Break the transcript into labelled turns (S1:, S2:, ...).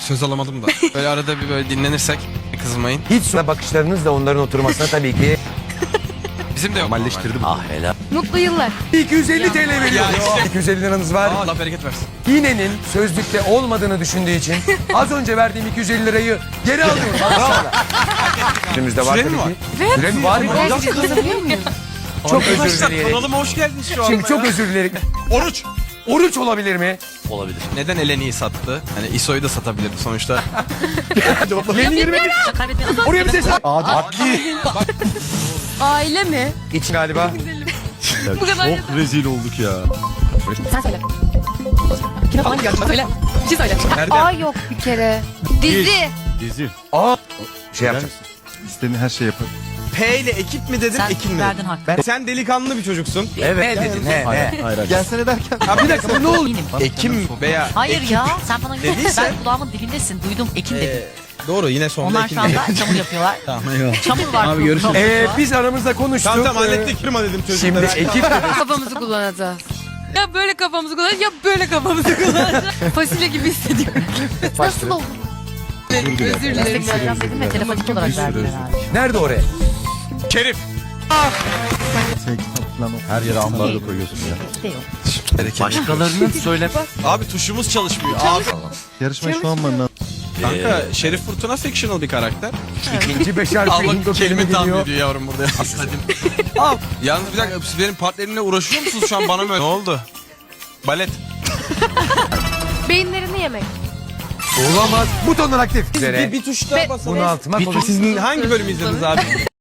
S1: Söz alamadım da. Böyle arada bir böyle dinlenirsek kızmayın.
S2: Hiç sonra bakışlarınızla onların oturmasına tabii ki
S1: Bizim de yok.
S2: normalleştirdim.
S3: Ah helal.
S4: Mutlu yıllar.
S2: 250 TL veriyor.
S1: Ya işte.
S2: 250 liranız var.
S1: Allah bereket versin.
S2: İğnenin sözlükte olmadığını düşündüğü için az önce verdiğim 250 lirayı geri alıyorum. Önümüzde var
S1: Süre
S2: tabii
S1: mi var?
S2: ki. Süre mi var?
S4: Gerçekten kazanabiliyor muyum?
S2: Çok özür
S1: Arkadaşlar
S2: dileyerek.
S1: kanalıma hoş geldiniz şu anda.
S2: Şimdi çok özür dileyerek.
S1: Oruç.
S2: Oruç olabilir mi?
S3: Olabilir.
S1: Neden Eleni'yi sattı? Hani ISO'yu da satabilirdi sonuçta.
S2: Yeni 20 Oraya bir ses.
S4: Aile mi?
S2: İç galiba.
S4: Bu kadar.
S5: Çok rezil olduk ya.
S4: Sen söyle. Kime falan geldi? Söyle. Bir şey söyle. A yok bir kere. Dizi.
S5: Dizi.
S2: Aa. Şey
S5: Gel
S2: yapacağız.
S5: misin? İstediğin her şey yapar.
S1: P ile ekip mi dedin,
S3: Sen
S1: ekin mi
S3: verdin
S1: dedin?
S3: hak.
S1: Sen delikanlı bir çocuksun.
S2: Evet dedin. He he.
S5: Hayır. Gelsene derken.
S1: Ha bir dakika bu ne oldu?
S3: Eminim.
S1: Ekim veya
S3: Hayır
S1: ekip.
S3: ya sen bana güven.
S1: Dediyse-
S3: Ben kulağımın dibindesin. Duydum. Ekim dedin.
S1: Doğru yine sonunda
S3: Onlar
S1: ekim
S3: şu anda çamur yapıyorlar. Çamur var. Abi görüşürüz.
S2: Biz aramızda konuştuk.
S1: Tamam hallettik. Kırma dedim
S2: Şimdi
S1: çocuklara.
S2: ekip
S4: Kafamızı kullanacağız. Ya böyle kafamızı kullanacağız ya böyle kafamızı kullanacağız. Fasulye gibi hissediyorum. Nasıl oldu? Özür dilerim.
S3: Meslek vereceğim dedim ve telepatik olarak verdiler abi.
S2: nerede oraya?
S1: Şerif.
S5: Sen kitap falan her yere ambarda koyuyorsun ya.
S3: İşte yok. Başkalarının söyle.
S1: Abi tuşumuz çalışmıyor. Abi.
S5: Yarışmayı şu an bana.
S1: Kanka Şerif Fırtına fictional bir karakter.
S2: İkinci beş harfi
S1: Allah
S2: Hindu kelime
S1: kelime tahmin
S2: geliyor.
S1: ediyor yavrum burada. Al. Yalnız bir dakika siz benim partnerimle uğraşıyor musunuz şu an bana mı öyle? Ne oldu? Balet.
S4: Beyinlerini yemek.
S2: Olamaz. Butonlar aktif. Üzere.
S1: Bir tuş daha basalım.
S2: Bunaltıma
S1: Sizin hangi bölümü izlediniz abi?